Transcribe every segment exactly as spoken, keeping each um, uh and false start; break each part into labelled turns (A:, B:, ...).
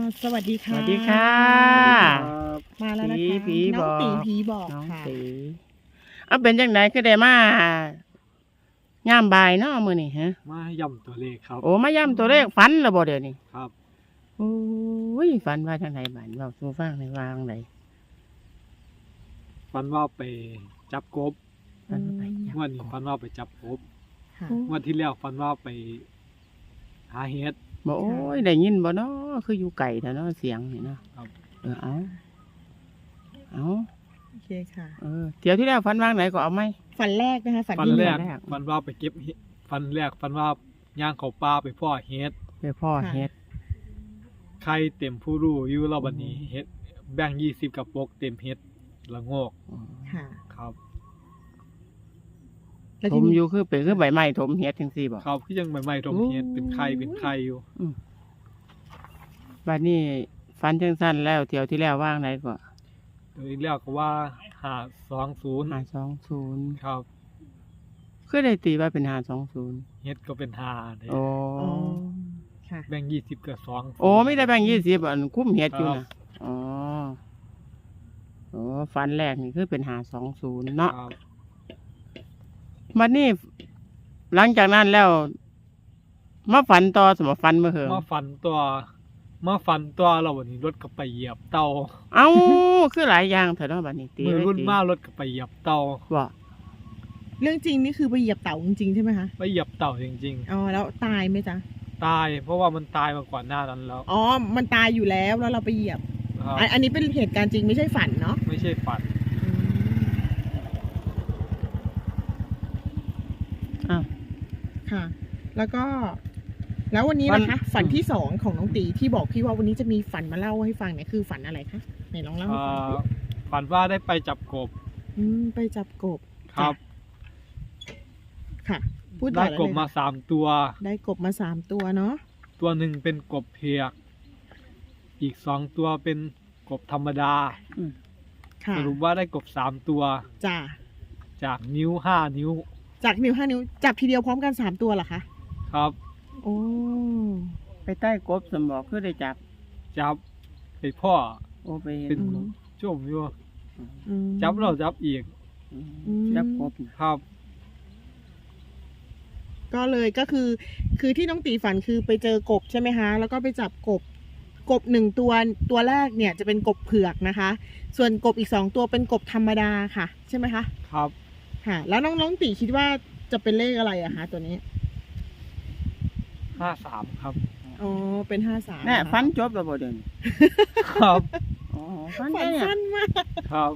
A: สวัสดี
B: ส
A: ค่ะ
B: วัสดีค่ะ
A: มาแล้วนะ
B: ผี
A: คะ
B: ผี
A: น้อง
B: บอก
A: ตีผีบอก
B: น้อง
A: ค่ะ
B: ตีเอาเป็นจังไดคือได้มาย่ามบ่ายเนาะมื้อนี้ฮะ
C: มาย่ำตัวเลขครับ
B: โอ้มาย่ำตัวเลขฝันแล้วบ่เดี๋ยวนี้
C: ครับ
B: โอ้ยฝันว่าจังไดบัดเว้าสู่ฟังได้ว่าจังได
C: ฟันว่าไปจับกบ
B: ฝันว่าไปจับ
C: งวันนี้ฟันว่าไปจับกบ
A: ค่ะ
C: งวันที่แล้วฟันว่าไปหาเห็ด
B: บ่โอ้ยได้ยินบ่เนาะคืออยู่ไกลแท้เนาะเสียงนี่เนาะ
C: ครับ
B: เออเอาเอา
A: โอเคค่ะ
B: เออเที่ยวที่แล้วฝันว่าจังไดก็เอาไหม
A: ฝันแรกนะคะ ฝัน
C: ฟัน
A: ที่ห
C: แร
A: นึ่ง
C: ก
B: แรก
C: ฟันว่าไปเก็บเห็ดฟันแรกฟันว่าย่างเขาป่าไปพ่อเห็ด
B: ไปพ่อเฮ็ด
C: ไข่เต็มผู้รู้อยู่รอบวันนี้เห็ดแบ่งยี่สิบกับปกเต็มเห็ดละโงก
B: อ๋อ
A: ค่ะ
C: ครับ
A: แล้ว
B: ถ
A: ที่
B: ม
A: นี่
B: อยู่คือเป็นคือใบไม้ถมเฮ็ดจังซี่บ่
C: ครับคือยังใหม่ๆทมเห็ดเป็นไข่เป็นไข่อยู่
B: บัดนี้ฟันจังสั้นแล้วเที่ยวที่แล้วว่างไหนก็
C: โดยแล้วก็ว่าหาสองศูนย์
B: ห้าสองศูนย์
C: ครับ
B: คือได้ตีว่าเป็นห้าสองศูนย์
C: เห็ดก็เป็นหาเนี่ย
B: โอ้
A: อ๋อค่ะ
C: แบ่งยี่สิบกับสอง
B: โอ้ไม่ได้แบ่งยี่สิบอันคุ้มเฮ็ดอยู่
C: ครั
B: นะ
C: บ
B: อ๋อโอ้ฟันแรกนี่คือเป็นห้าสองศูนย์เนาะ
C: ครับ
B: บัดนี้ หลังจากนั้นแล้วมาฝันต่อสมฟันเมื่อเหิง
C: มาฟันตัวมาฟันตัวเราวันนี้รถก็ไปเหยียบเตา
B: เอ้าคือหลายอย่างเถอะเนาะบัดนี้ตี
C: มือ
B: เลย
C: รุ่น
B: ตี
C: มารถก็ไปเหยียบเตา
B: บ่
A: เรื่องจริงนี่คือไปเหยียบเต่าจริงๆใช่ไหมคะ
C: ไปเหยียบเต่าจริง
A: อ๋อ แล้วตายไหมจ๊ะ
C: ๆ ตาย เพราะว่ามันตายมาก่อนหน้านั้นแล้ว
A: อ๋อ มันตายอยู่แล้ว แล้วเราไปเหยียบ
C: ครับ
A: อันอันนี้เป็นเหตุการณ์จริงไม่ใช่ฝันเนาะ
C: ไม่ใช่ฝัน
A: อืม
B: อ้าว
A: ค่ะ แล้วก็ แล้ววันนี้
B: ฝัน
A: นะคะ ฝันที่สองของน้องตีที่บอกพี่ว่าวันนี้จะมีฝันมาเล่าให้ฟังเนี่ยคือฝันอะไรคะไหนลองเล่าให้
C: เอ่
A: ฟัง
C: อฝันว่าได้ไปจับกบ
A: อืมไปจับกบ
C: ครับ
A: ค่ะ พูดต่
C: ได้
A: อเลย
C: กบมา
A: ค่ะ
C: สามตัว
A: ได้กบมาสามตัวเนาะ
C: ตัวหนึ่งเป็นกบเพียก อีกสองตัวเป็นกบธรรมดา
A: ค่ะ
C: สรุปว่าได้กบสามตัว
A: จ้า
C: จากนิ้วห้านิ้ว
A: จากนิ้วห้านิ้วจับทีเดียวพร้อมกันสามตัวเหรอคะ
C: ครับ
A: โอ้
B: ไปใต้กบสมบอกคือได้จับ
C: จับไปพ่อ
B: โอ้ไปเห็น
C: เป็นช่วงอยู่
A: อืม
C: จับเราจับอีก
B: อืม
A: อืม
B: จับกบน่ะ
C: ครับ
A: ก็เลยก็คือ คือที่น้องตีฝันคือไปเจอกบใช่ไหมคะ แล้วก็ไปจับกบ กบหนึ่งตัวตัวแรกเนี่ยจะเป็นกบเผือกนะคะ ส่วนกบอีกสองตัวเป็นกบธรรมดาค่ะ ใช่ไหมคะ
C: ครับ
A: ค่ะ แล้วน้องน้องตีคิดว่าจะเป็นเลขอะไรอะคะตัวนี้
C: ห้าสามครับ
A: อ๋อ เป็นห้าสาม
B: แน่ฟันจบแล้วบ่เดี๋ยวนี้
C: ครับ
B: อ๋อฟัน
A: ฝั
B: ได้
A: น
B: เนี่ย
A: สั้นมาก
C: ครับ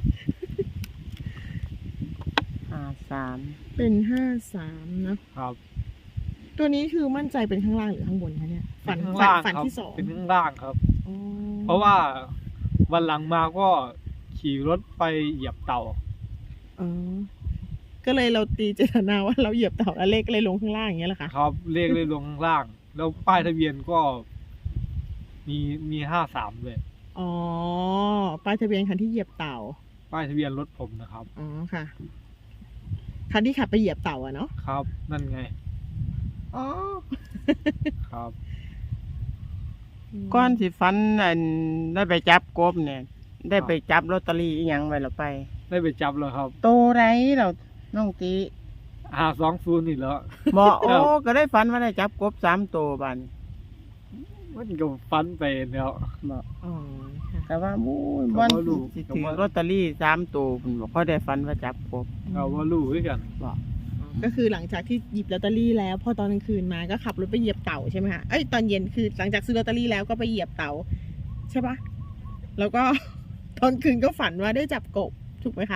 B: ห้าสาม
A: เป็นห้าสามเนอะ
C: ครับ
A: ตัวนี้คือมั่นใจเป็นข้างล่างหรือข้างบนคะเนี่ย ฝัน
C: เป็นข้าง
A: ฝัน
C: ล่าง
A: ฝัน
C: ครับ
A: ที่สอง
C: เป็นข้างล่างครับ
A: อ๋อ
C: เพราะว่าวันหลังมาก็ขี่รถไปเหยียบเต่า
A: อ๋อ ก็เลยเราตีเจตนาว่าเราเหยียบเต่าแล้วเลขเลยลงข้างล่างอย่างเงี้ยเหรอคะ
C: ครับเลขเลยลงข้างล่าง แล้วป้ายทะเบียนก็มีมีห้าสามเลย
A: อ๋อ ป้ายทะเบียนคันที่เหยียบเต่า
C: ป้ายทะเบียนรถผมนะครับ
A: อ๋อค่ะ คันที่ขับไปเหยียบเต่าอะเนาะ
C: ครับ นั่นไง
A: อ๋อ
C: ครับ
B: ก้อนสิฟันอันได้ไปจับกบเนี่ย ได้ไปจับลอตเตอรี่อีหยังไว้แล้วไป
C: ได้ไปจับแล้วครับ
B: โตไรเราน้องตี
C: หาสองศูนย์นี่แล้ว
B: บอกโอ้
C: ครับ
B: ก็ได้ฟันว่าได้จับกบสามตัวบัดน
C: มันก็ฟันไปแล้ว
B: บอก
A: อ๋อค่ะ
B: แต่ว่าบู้ย
C: ก็
B: วัน
C: บ่รู้
B: สิ
C: ก็
B: ถือ
C: บ่
B: ลอตเตอรี่สามตัวผมบอกเขาได้ฟันว่าจับกบ
C: เราว่ารู้ด้วยกัน
B: บอก
A: ก็คือหลังจากที่หยิบลอตเตอรี่แล้วพอตอนกลางคืนมาก็ขับรถไปเหยียบเต่าใช่ไหมคะเอ้ยตอนเย็นคือหลังจากซื้อลอตเตอรี่แล้วก็ไปเหยียบเต่าใช่ปะแล้วก็ ตอนคืนก็ฝันว่าได้จับกบถูกไหมคะ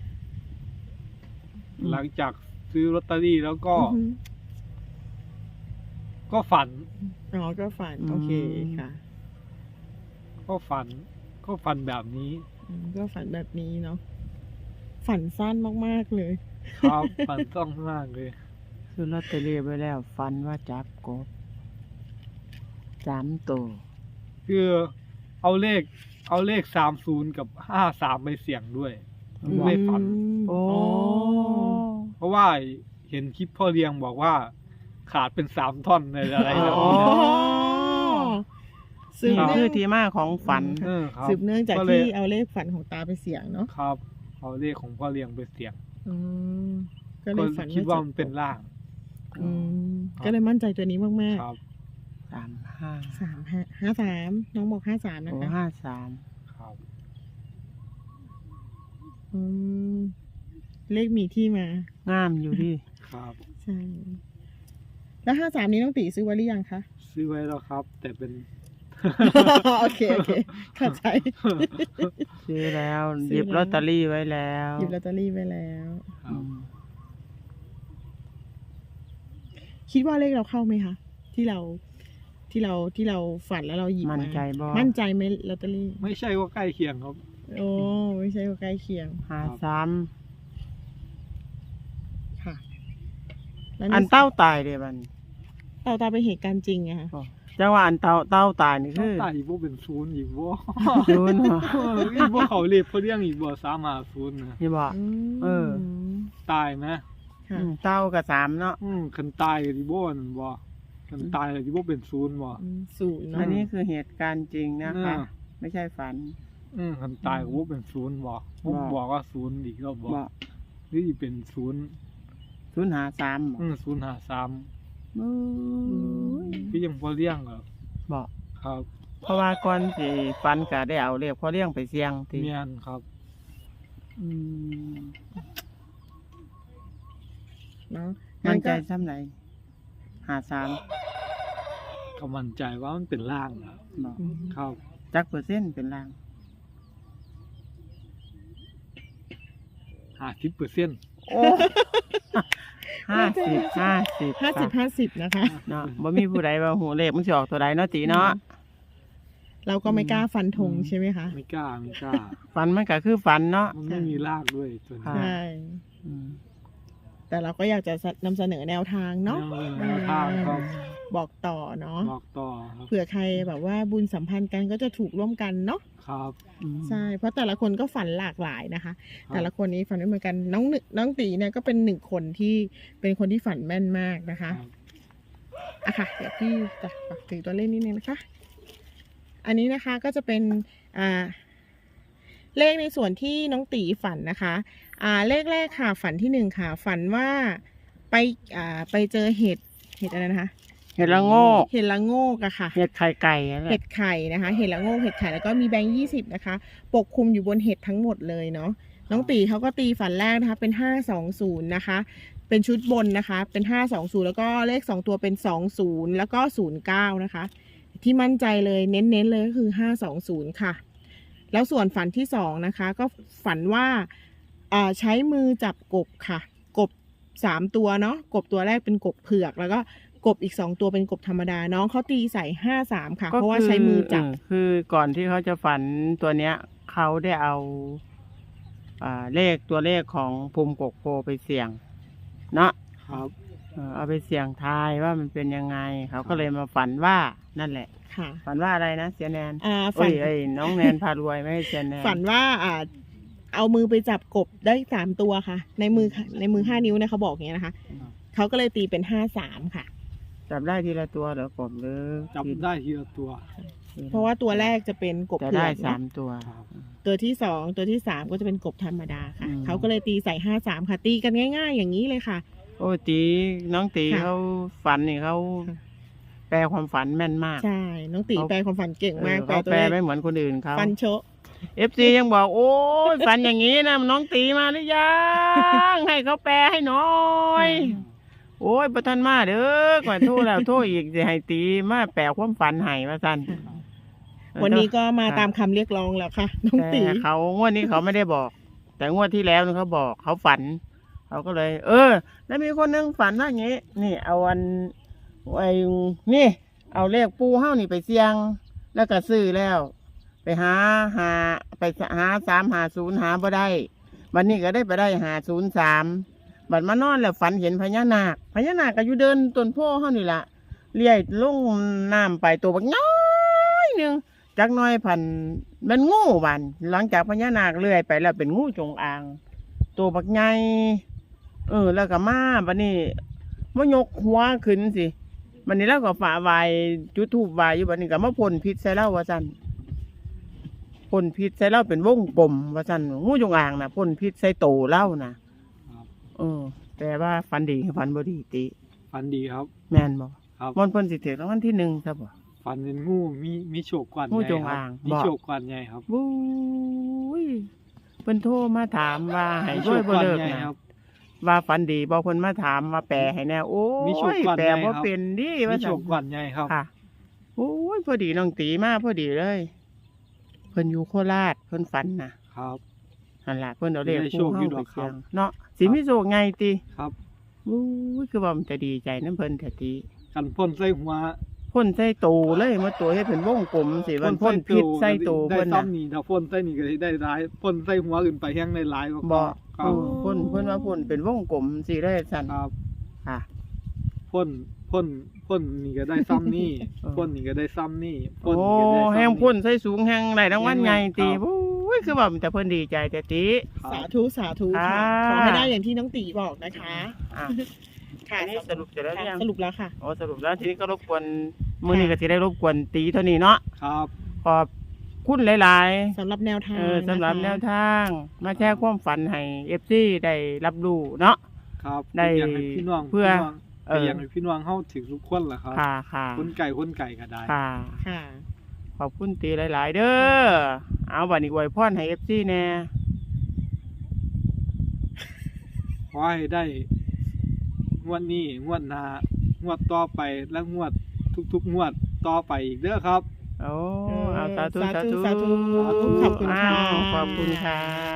C: หลังจากซื้อลอตเตอรี่แล้วก็
A: อือฮึ
C: ก็ฝัน
A: อ๋อก็ฝันโอเคค่ะ
C: ก็ฝัน ก็ฝันแบบนี้
A: อืมก็ฝันแบบนี้เนาะฝันสั้นมากๆเลย
C: ครับ ฝันต้องมากเลย
B: ซื้อลอตเตอรี่ไปแล้วฟันว่าจับกบสามตัว
C: คือเอาเลข เอาเลขสามศูนย์กับห้าสามไปเสี่ยงด้วย ไม่ฝัน
B: โอ้
C: เพราะว่าเห็นคลิปพ่อเลี้ยงบอกว่า ขาดเป็นสามท่อนในอะไรแบบ
B: อ๋อ
C: นี้นะ
A: สสืบ
B: นี่
A: เนื่
B: คือ อง ที่มาของฝัน
C: เออครับ
A: สืบเนื่องจาก
C: ก็เลย
A: ที่เอาเลขฝันของตาไปเสี่ยงเนาะ
C: ครับ เอาเลขของพ่อเลี้ยงไปเสี่ยง
A: อืมก็เล
C: ก็
A: ยฝัน
C: คิดว่า
A: จับ
C: มันเป็นล่าง
A: อืมก็เลยมั่นใจตัวนี้มาก
C: ครับ
B: สามห้า
A: ๆสามห้าห้าสามน้องบอกห้าสามนะ
B: โอ้
A: คะ
B: ห้าสาม
C: ครับ
A: อืมเลขมีที่มา
B: งามอยู่ดิ
C: ครับ
A: ใช่ แล้วห้าสามนี้น้องตีซื้อไว้หรือยังคะ
C: ซื้อไว้แล้วครับ แต่เป็น
A: โอเค โอเค เข้าใจ
B: ซื้อแล้ว
A: ซื้อ
B: หยิบ
A: แล้ว
B: ลอตเตอรี่ไว้แล้ว
A: หยิบลอตเตอรี่ไว้แล้ว
C: ครับ
A: คิดว่าเลขเราเข้าไหมคะ ที่เราที่เราที่เราฝันแล้วเราหยิบ
B: มั่น
A: มา
B: ใจบ่
A: มั่นใจไหมลอตเตอรี่
C: ไม่ใช่ว่าใกล้เคียงครับ
A: โอ้ไม่ใช่ว่าใกล้เคียง
B: ห้าสาม
A: ค่ะ แล้ว
B: อันเต้าตายเด้บัดน
A: เต่าตาเป็นเหตุการณ์จริงอะค่ะ
B: จังว่าอันเต้าเต้าตายนี่
C: ต้อ
B: คื
C: ง
B: อ
C: ตายอีกบ่เป็นศูนย์อีกบ่
B: ศูนย์เหรอ
C: อีกบ่เขาเรียกเขาเรียกอีกบ่สามหาศูนย์นะ
B: นี่บอก
A: ม
B: เออ
C: ตายไหม
A: ค่ะ
B: เต้ากับสามเนาะ
C: อืมคันตายก็สิบ่นั่นบ่คันตายก็สิบ่เป็นศูนย์บ่
A: อืมศูนย์
B: อั
A: เนาะ
B: นนี้คือเหตุการณ์จริงนะคะ
C: อ่า
B: ไม่ใช่ฝัน
C: อืมคันตายก็บ่เป็นศูนย์บ่ผม
B: บ่
C: บอกว่าศูนย์อีกแล้วบ่
B: บอก
C: หรือสิเป็นศูนย์
B: ศูนย์หาสามบอก
C: อืมศูนย์ห้าสาม
B: อืม
C: คือยังบ่เลี้ยงเหรอ
B: บอก
C: ครับ
B: เพราะว่าก่อนสิฝันก็ได้เอาเรียกพอเลี้ยงไปเสี่ยงที
C: เมียนครับ
B: อืม
A: เนาะ
B: มั่นใจ
A: งั้ก็
B: ซ้ำไหนหาสาม
C: ก็มั่นใจว่ามันเป็นล่างนะ
B: บอก
A: อืม
C: ครับ
B: จักเปอร์เซ็นต์เป็นล่าง
C: ห้าสิบเปอร์เซ็นต์
B: โอ้ห้าสิบห้าสิบ
A: ห้าสิบห้าสิบนะคะ
B: เนาะบ่มีผู้ใดว่าหูเลขมันสิออกตัวใดเนาะตีเนาะ
A: เราก็ไม่กล้าฟันธง
B: อืม
A: ใช่ไหมคะ
C: ไม่กล้าไม่กล้า
B: ฝันมันก็คือฝันเนาะ
C: มันไม่มีรากด้วยตัว
B: ค่ะ
C: นี้
A: ใช่
B: อืม
A: แต่เราก็อยากจะนำเสนอแนวทางเนาะ
C: แนวทางครับ
A: บอกต่อเนาะ
C: บอกต่อครับ
A: เผื่อใครแบบว่าบุญสัมพันธ์กันก็จะถูกร่วมกันเนาะ
C: ครับ
B: อืม
A: ใช่ เพราะแต่ละคนก็ฝันหลากหลายนะคะ
C: ครับ
A: แต่ละคนนี้ฝันไม่เหมือนกัน น้องหนึ่งน้องตีเนี่ยก็เป็นหนึ่งคนที่เป็นคนที่ฝันแม่นมากนะคะ
C: ครับ
A: อะค่ะ เดี๋ยวพี่จะฝากถือตัวเลขนิดนึงนะคะ อันนี้นะคะก็จะเป็นอ่าเลขในส่วนที่น้องตีฝันนะคะ อ่าเลขแรกค่ะ ฝันที่หนึ่งค่ะ ฝันว่าไปอ่าไปเจอเห็ดเห็ดอะไรนะคะ
B: เห็ดละโงก
A: เห็ดละโงกอะค่ะ
B: เห็ดไข่ไก่นั่นแห
A: เห็
B: ละ
A: ดไข่นะคะ เห็ดละโงก เห็ดไข่ แล้วก็มีแบงค์ยี่สิบนะคะ ปกคลุมอยู่บนเห็ดทั้งหมดเลยเนาะ น้องตีเขาก็ตีฝันแรกนะคะ เป็นห้าสองศูนย์นะคะ เป็นชุดบนนะคะ เป็นห้าสองศูนย์แล้วก็เลขสองตัวเป็นสองศูนย์แล้วก็ศูนย์เก้านะคะ ที่มั่นใจเลยเน้นๆเลยก็คือห้าสองศูนย์ค่ะ แล้วส่วนฝันที่สองนะคะ ก็ฝันว่าอ่าใช้มือจับกบค่ะ กบสามตัวเนาะ กบตัวแรกเป็นกบเผือก แล้วก็กบอีกสองตัวเป็นกบธรรมดา น้องเขาตีใส่ห้าสามค่ะ เพราะว่าใช้มือจับ
B: เคือก่อนที่เขาจะฝันตัวเนี้ย เขาได้เอา อ่าเลขตัวเลขของภูมิกกโพไปเสี่ยง เนาะ
C: ครับ
B: เออเอาไปเสี่ยงทายว่ามันเป็นยังไง เขาก็เลยมาฝันว่านั่นแหละ
A: ค่ะ
B: ฝันว่าอะไรนะเสียแนน
A: อ่า
B: โอ้
A: ฝั
B: ย
A: น
B: ไอ้ยน้องแนนพารวยไม่ใช่เสียแนน
A: ฝันว่าอ่า เอามือไปจับกบได้สามตัวค่ะ ในมือในมือห้านิ้วเนี่ยเขาบอกอย่างเงี้ยนะคะ เขาก็เลยตีเป็นห้าสามค่ะ
B: จับได้ทีละตัวเหรอกบหรือ
C: จับได้ทีละตัว
A: เพราะว่าตัวแรกจะเป็นกบ
B: จะ
A: เผื
B: ได้
A: อก
B: สา
A: เนาะ
B: มตัว
C: ครับ
A: ตัวที่สองตัวที่สามก็จะเป็นกบธรรมดาค่ะ
B: อืม
A: เขาก็เลยตีใส่ห้าสามค่ะ ตีกันง่าย ๆ อย่างนี้เลยค่ะ
B: โอ้ยตีน้องตี
A: ค่ะ
B: เขาฝันนี่เขา
A: ค่ะ
B: แปลความฝันแม่นมาก
A: ใช่ น้องตี
B: เขา
A: แปลความฝันเก่งมาก
B: เออเขา
A: ตัว
B: แปล
A: เลข
B: ไม่เหมือนคนอื่นเขา
A: ฟันโชะ
B: เอฟซียังบอก โอ้ยฝันอย่างนี้นะน้องตีมาหรือยัง ให้เขาแปลให้หน่อย โอ้ยประทันมาเด้อกว่าโทษแล้วโทษอีกจะให้ตีมาแปลความฝันให้ว่าสั้น
A: วันนี้ก็มา
B: ค่ะ
A: ตามคำเรียกร้องแล้วค่ะ น้องตี
B: แต่เขางวดนี้เขาไม่ได้บอก แต่งวดที่แล้วนี่เขาบอกเขาฝัน เขาก็เลย เออ แล้วมีคนนึงฝันว่าอย่างนี้ นี่ เอาวันไอ้นี่ เอาเลขปูเฮ้านี่ไปเสี่ยง แล้วก็ซื้อแล้ว ไปหาหาไปหาสามหาศูนย์หาบ่ได้ วันนี้ก็ได้ไปได้หาศูนย์สามบัดมานอนแล้วฝันเห็นพญานาคพญานาคก็อยู่เดินต้นโพเฮ้านี่ล่ะเลี้ยลงน้ำไปตัวบักน้อยหนึ่งจักหน้อยพันมันงูบันหลังจากพญานาคเลื่อยไปแล้วเป็นงูจงอาง ตัวบักใหญ่เออ แล้วก็มาบัดนี้มายกหัวขึ้นสิวันนี้เราก็ฝาไว้จุดธูปไว้อยู่บัดนี้ก็มาพ่นพิษใส่เราว่าซั่นพ่นพิษใส่เราเป็นวงกลมว่าซั่นงูจงอางน่ะพ่นพิษใส่โตเราน่ะ
C: ครับ
B: เออแต่ว่าฟันดีฟันบ่ดีติ
C: ฝันดีครับ
B: แม่นบ่
C: ครับ
B: มันเพิ่นสิถึงรางวัลที่หนึ่งซะบ่
C: ฝันเป็นงูมีมีโชคกวน
B: งู
C: ใหญ่
B: จง
C: ครั
B: อาง
C: มี
B: บอก
C: โชคกวนใหญ่ครับ
B: บู้ยเพิ่นโทรมาถามว่าให้ช่วยบ่เลิก
C: มีโชคกวนใหญ่
B: นะครับ ว่าฝันดีบ่เพิ่นมาถามว่าแปลให้แน่โอ้
C: มีโชค
B: ย
C: กวน
B: แปล
C: ใหญ่
B: บ่
C: ครับ
B: เป็นดิ
C: มี
B: ว่า
C: โช
B: ซั่น
C: คกวนใหญ่ครับ
B: ค่ะโอ้ยพอดีน้องตีมาพอดีเลย เพิ่นอยู่โคราชเพิ่นฝันน่ะ
C: ครับ
B: นั่นล่ะเพิ่นเอาเลข
C: ได้
B: ปู
C: โชค
B: เฮา
C: อยู่
B: ไป
C: ดอกครั
B: เสี่ย
C: บ
B: งเนาะสิมีโชคไงติ
C: ครับ
B: โอ้ยคือว่ามันจะดีใจนำเพิ่นแท้ติ
C: กันพ่นใส่หัว
B: พ่นใส่ตูเลยมาตัวเฮ็ดเป็นวงกลมสิมันพ่นพิษใส่ตู
C: ได้
B: เพิ่นน่ะ
C: ซ้ำนี่ถ้าพ่นใส่นี่ก็สิได้หลายพ่นใส่หัวอื่นไปแห้งได้หลายกว่า
B: บ่
C: ครั
B: เอบ อพ่นเพิ่นว่าพ่นเป็นวงกลมสิได้สั่น
C: ครับ
B: ค่ะ
C: พ่นพ่นพ่นนี่ก็ได้ซ้ำนี่
B: เออ
C: พ่นนี่ก็ได้ซ้ำนี่
B: โอ้
C: นี่ก็ได้ซ้ำ
B: แห้งพ่นใส่สูงแห้งได้รางวัลใหญ่ติ
C: ครับ
B: โอ้ยคือว่ามันจะเพิ่นดีใจแต่ติ
C: ครับ
A: สาธุสาธุค่ะ
B: อ่า
A: ขอให้ได้อย่างที่น้องตีบอกนะคะ
B: อ่ะ
A: ค่ะ
B: อันนี้สรุปเสร็จแล้วหรือยัง
A: สรุปแล้วค่ะ
B: โอ้สรุปแล้วทีนี้ก็รบกวนมื้อนี้ก็สิได้รบกวนตีเท่านี้เนาะ
C: ครับ
B: ขอบคุณหลาย
A: สำหรับแนว
B: ๆ
A: ทาง
B: เออสำหรับ
A: ะคะ
B: แนวทาง มาแชร์ความฝันให้ เอฟ ซี ได้รับรู้เนาะ
C: ครับ
B: ได้
C: อยากให้พี่น้อง
B: เพื่อ
C: พี่น้อง
B: เออ
C: อยากให้พี่น้องเฮาถึงทุกคนล่ะครับ
B: ค่ะค่ะ
C: คนไก่คนไก่ก็ได้
B: ค่ะ
A: ค่ะ
B: ขอบคุณตีหลาย ๆ เด้อ เอาบัดนี้อวยพรให้ เอฟ ซี แน่
C: ขอให้ได้งวดนี้งวดหน้างวดต่อไปและงวดทุกๆงวดต่อไปอีกเด้อครับ
B: โอ้
A: เออ
B: เอาสาธุ
A: สา
B: สา
A: ธุ
B: ธุ
A: สาธุขอบคุณค่ะ
B: อ้าวขอบคุณค่ะ